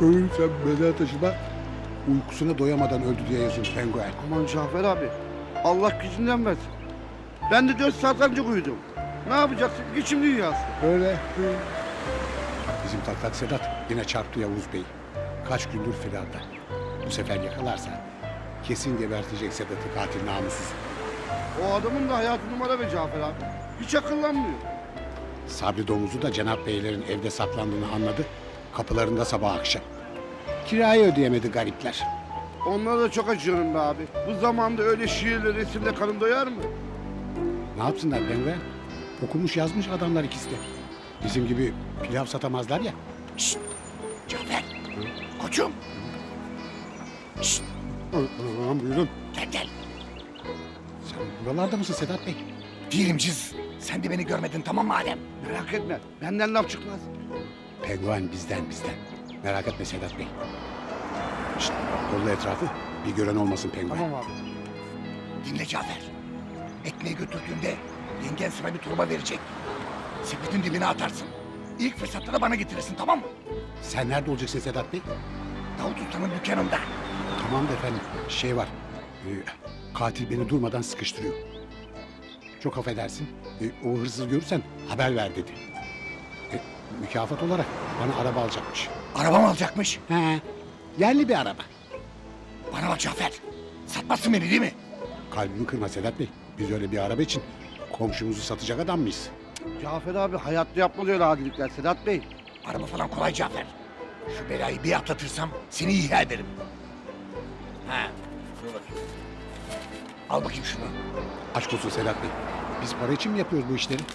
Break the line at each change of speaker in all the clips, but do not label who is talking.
Sen mezar taşıma uykusuna doyamadan öldü diye yazıyor penguen.
Aman Cafer abi. Allah gücünden versin. Ben de 4 saat önce uyudum. Ne yapacaksın? Geçim dünyası.
Öyle. Bizim taklak Sedat yine çarptı Yavuz Bey. Kaç gündür firarda. Bu sefer yakalarsa kesin gebertecek Sedat'ı katil namussuz.
O adamın da hayatı numara be Cafer abi. Hiç akıllanmıyor.
Sabri Domuz'u da Cenap Beylerin evde saklandığını anladı. Kapılarında sabah akşam. Kirayı ödeyemedi garipler.
Onlara da çok acıyorum be abi. Bu zamanda öyle şiirle resimle karın doyar mı?
Ne yapsınlar penguen? Okumuş yazmış adamlar ikisi de. Bizim gibi pilav satamazlar ya.
Şşt! Cafer! Koçum! Şşt!
Buyurun.
Gel.
Sen buralarda mısın Sedat Bey?
Değilim Ciz. Sen de beni görmedin tamam mı Adem?
Merak etme. Benden laf çıkmaz.
Penguen bizden. Merak etme Sedat Bey. Şşt, kolla etrafı. Bir gören olmasın penguen.
Tamam abi.
Dinle Cafer. Ekmeği götürdüğünde yengen sana bir torba verecek. Sepetin dibine atarsın. İlk fırsatta da bana getirirsin tamam mı?
Sen nerede olacaksın Sedat Bey?
Davut Usta'nın dükkanında.
Tamam da efendim. Şey var. Katil beni durmadan sıkıştırıyor. Çok affedersin. O hırsızı görürsen haber ver dedi. Mükafat olarak bana araba alacakmış.
Araba mı alacakmış?
He. Yerli bir araba.
Bana bak Cafer. Satmazsın beni değil mi?
Kalbimi kırma Sedat Bey. Biz öyle bir araba için komşumuzu satacak adam mıyız?
Cafer abi hayatta yapmalı öyle adilikler Sedat Bey.
Araba falan kolay Cafer. Şu belayı bir atlatırsam seni ihya ederim. Ha, dur bakayım. Al bakayım şunu.
Aşk olsun Sedat Bey. Biz para için mi yapıyoruz bu işleri?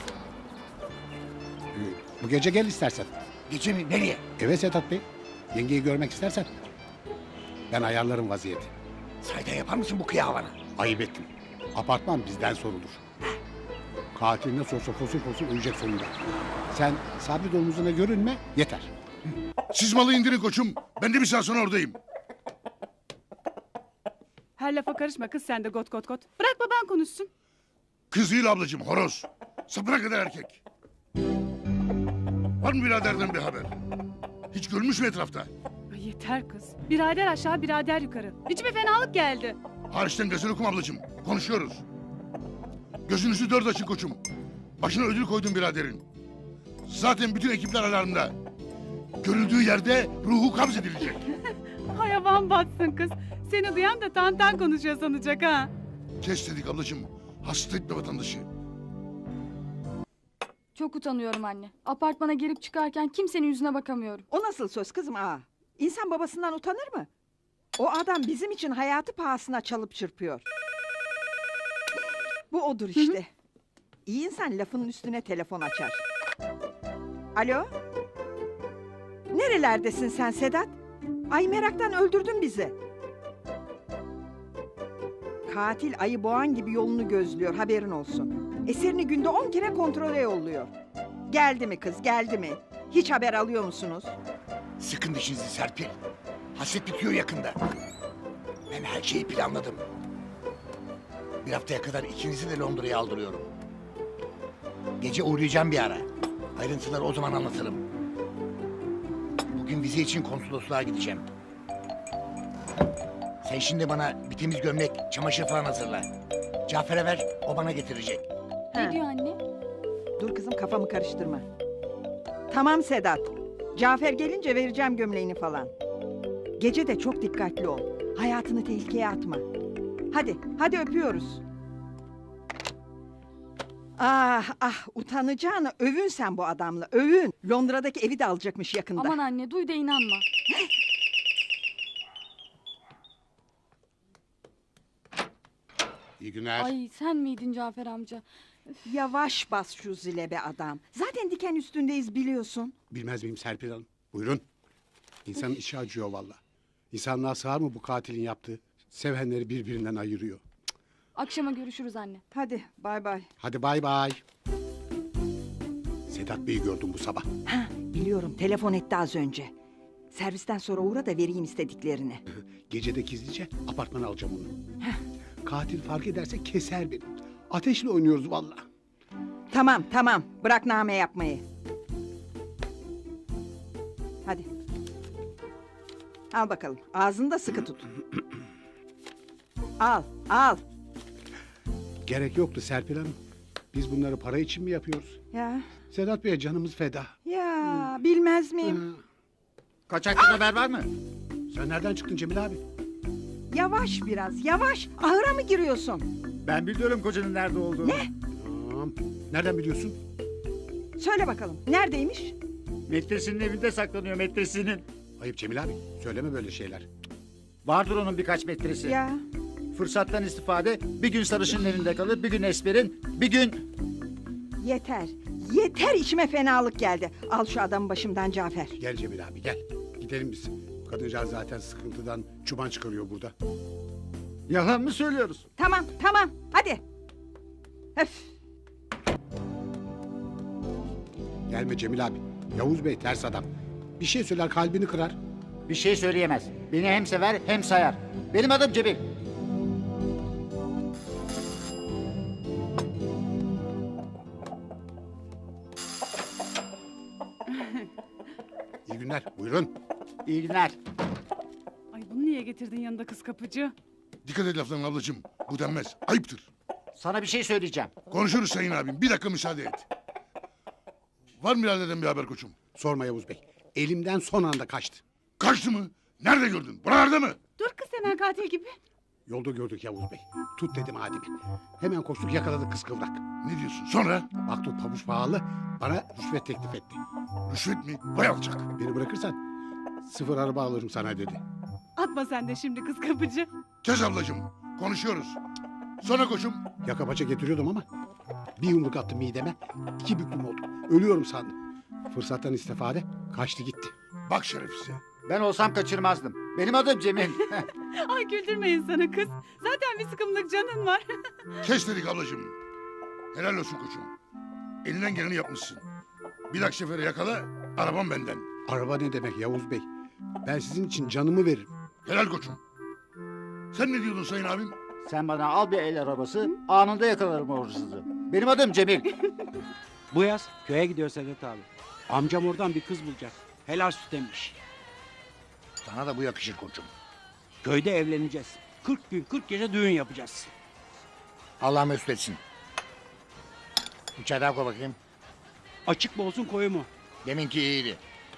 Bu gece gel istersen.
Gece mi? Nereye?
Eve Sedat Bey. Yengeyi görmek istersen. Ben ayarlarım vaziyeti.
Sahiden yapar mısın bu kıyağı bana?
Ayıp ettim. Apartman bizden sorulur. Katil nasıl olsa fosil ölecek sonunda. Sen Sabri Domuz'una görünme yeter.
Siz malı indirin koçum. Ben de bir saat sonra oradayım.
Her lafa karışma kız sen de got. Bırak baban konuşsun.
Kız değil ablacığım, horoz. Sapına kadar erkek. Var mı biraderden bir haber? Hiç görmüş mü etrafta?
Ay yeter kız. Birader aşağı birader yukarı. İçime fenalık geldi.
Hariçten gazel okum ablacığım. Konuşuyoruz. Gözünüzü dört açın koçum. Başına ödül koydum biraderin. Zaten bütün ekipler alarmda. Görüldüğü yerde ruhu kabz edilecek.
Hayvan batsın kız. Seni duyan da tantan konuşuyor sanacak ha.
Kes dedik ablacığım. Hasta etme vatandaşı.
Çok utanıyorum anne. Apartmana girip çıkarken kimsenin yüzüne bakamıyorum.
O nasıl söz kızım ağa? İnsan babasından utanır mı? O adam bizim için hayatı pahasına çalıp çırpıyor. Bu odur işte. İyi insan lafının üstüne telefon açar. Alo? Nerelerdesin sen Sedat? Ay meraktan öldürdün bizi. Katil ayı boğan gibi yolunu gözlüyor haberin olsun. Eserini günde 10 kere kontrole yolluyor. Geldi mi kız geldi mi? Hiç haber alıyor musunuz?
Sıkın dişinizi Serpil. Hasret bitiyor yakında. Ben her şeyi planladım. Bir haftaya kadar ikinizi de Londra'ya aldırıyorum. Gece uğrayacağım bir ara. Ayrıntıları o zaman anlatırım. Bugün vize için konsolosluğa gideceğim. Sen şimdi bana bir temiz gömlek, çamaşır falan hazırla. Cafer'e ver, o bana getirecek.
Ne
Ha.
diyor anne?
Dur kızım kafamı karıştırma. Tamam Sedat. Cafer gelince vereceğim gömleğini falan. Gece de çok dikkatli ol. Hayatını tehlikeye atma. Hadi öpüyoruz. Ah utanacağını övün sen bu adamla övün. Londra'daki evi de alacakmış yakında.
Aman anne duy da inanma.
İyi günler.
Ay sen miydin Cafer amca?
Yavaş bas şu zile be adam. Zaten diken üstündeyiz biliyorsun.
Bilmez miyim Serpil Hanım? Buyurun. İnsanın içi acıyor valla. İnsanlığa sığar mı bu katilin yaptığı? Sevenleri birbirinden ayırıyor.
Akşama görüşürüz anne.
Hadi bay bay.
Hadi bay bay. Sedat Bey'i gördüm bu sabah.
Ha, biliyorum telefon etti az önce. Servisten sonra uğra da vereyim istediklerini.
Gecede gizlice apartmana alacağım onu. Katil fark ederse keser beni. Ateşle oynuyoruz valla.
Tamam bırak name yapmayı. Hadi. Al bakalım. Ağzını da sıkı tut. Al, al.
Gerek yoktu Serpil Hanım. Biz bunları para için mi yapıyoruz?
Ya,
Sedat Bey'e canımız feda.
ya bilmez miyim?
Kaçaktan haber var mı?
Sen nereden çıktın Cemil abi?
Yavaş biraz, yavaş. Ahıra mı giriyorsun?
Ben biliyorum kocanın nerede olduğunu.
Ne?
Tamam. Nereden biliyorsun?
Söyle bakalım. Neredeymiş?
Metresinin evinde saklanıyor metresinin.
Ayıp Cemil abi. Söyleme böyle şeyler.
Vardır onun birkaç metresi.
Ya,
Fırsattan istifade bir gün sarışının elinde kalır, bir gün Esmer'in, bir gün...
yeter. Yeter, içime fenalık geldi. Al şu adamı başımdan Cafer.
Gel Cemil abi gel. Gidelim biz. Kadıncağız zaten sıkıntıdan çuban çıkarıyor burada.
Yalan mı söylüyoruz?
Tamam, tamam. Hadi. Öf.
Gelme Cemil abi. Yavuz Bey ters adam. Bir şey söyler kalbini kırar.
Bir şey söyleyemez. Beni hem sever hem sayar. Benim adım Cemil.
İyi günler. Buyurun.
İyi günler.
Ay bunu niye getirdin yanında kız kapıcı?
Dikkat et laflarına ablacığım. Bu denmez. Ayıptır.
Sana bir şey söyleyeceğim.
Konuşuruz sayın abim. Bir dakika müsaade et. Var mı biraderden bir haber koçum?
Sorma Yavuz Bey. Elimden son anda kaçtı.
Kaçtı mı? Nerede gördün? Buralarda mı?
Dur kız hemen katil gibi.
Yolda gördük Yavuz Bey. Tut dedim Adem'e. Hemen koştuk yakaladık kıskıvrak.
Ne diyorsun? Sonra?
Baktık pabuç pahalı. Bana rüşvet teklif etti.
Rüşvet mi? Vay alçak.
Beni bırakırsan sıfır araba alırım sana dedi.
Atma sen de şimdi kız kapıcı.
Kes ablacığım. Konuşuyoruz. Sonra koçum.
Yaka paça getiriyordum ama bir yumruk attı mideme. 2 büklüm oldu. Ölüyorum sandım. Fırsattan istifade kaçtı gitti.
Bak şerefsize.
Ben olsam kaçırmazdım. Benim adım Cemil.
Ay güldürme insanı kız. Zaten bir sıkımlık canın var.
Kes dedik ablacığım. Helal olsun koçum. Elinden geleni yapmışsın. Bir dahaki sefere yakala. Arabam benden.
Araba ne demek Yavuz Bey? Ben sizin için canımı veririm.
Helal koçum. Sen ne diyordun sayın abim?
Sen bana al bir el arabası, anında yakalarım o hırsızı. Benim adım Cemil.
Bu yaz köye gidiyor Sedat abi. Amcam oradan bir kız bulacak. Helal süt emmiş.
Sana da bu yakışır koçum.
Köyde evleneceğiz. 40 gün 40 gece düğün yapacağız.
Allah mesut etsin. Bir çay daha koy bakayım.
Açık mı olsun koyu mu?
Deminki iyiydi.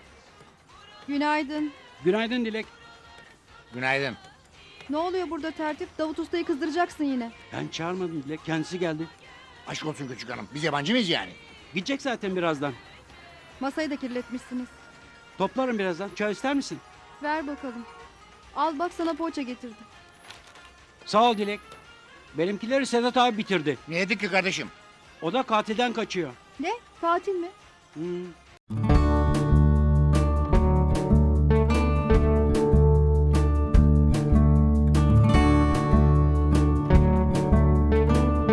Günaydın.
Günaydın Dilek.
Günaydın.
Ne oluyor burada tertip? Davut Usta'yı kızdıracaksın yine.
Ben çağırmadım Dilek. Kendisi geldi.
Aşk olsun küçük hanım. Biz yabancı mıyız yani?
Gidecek zaten birazdan.
Masayı da kirletmişsiniz.
Toplarım birazdan. Çay ister misin?
Ver bakalım. Al bak sana poğaça getirdim.
Sağ ol Dilek. Benimkileri Sedat abi bitirdi.
Ne yedik ki kardeşim?
O da katilden kaçıyor.
Ne? Katil mi?
Hmm.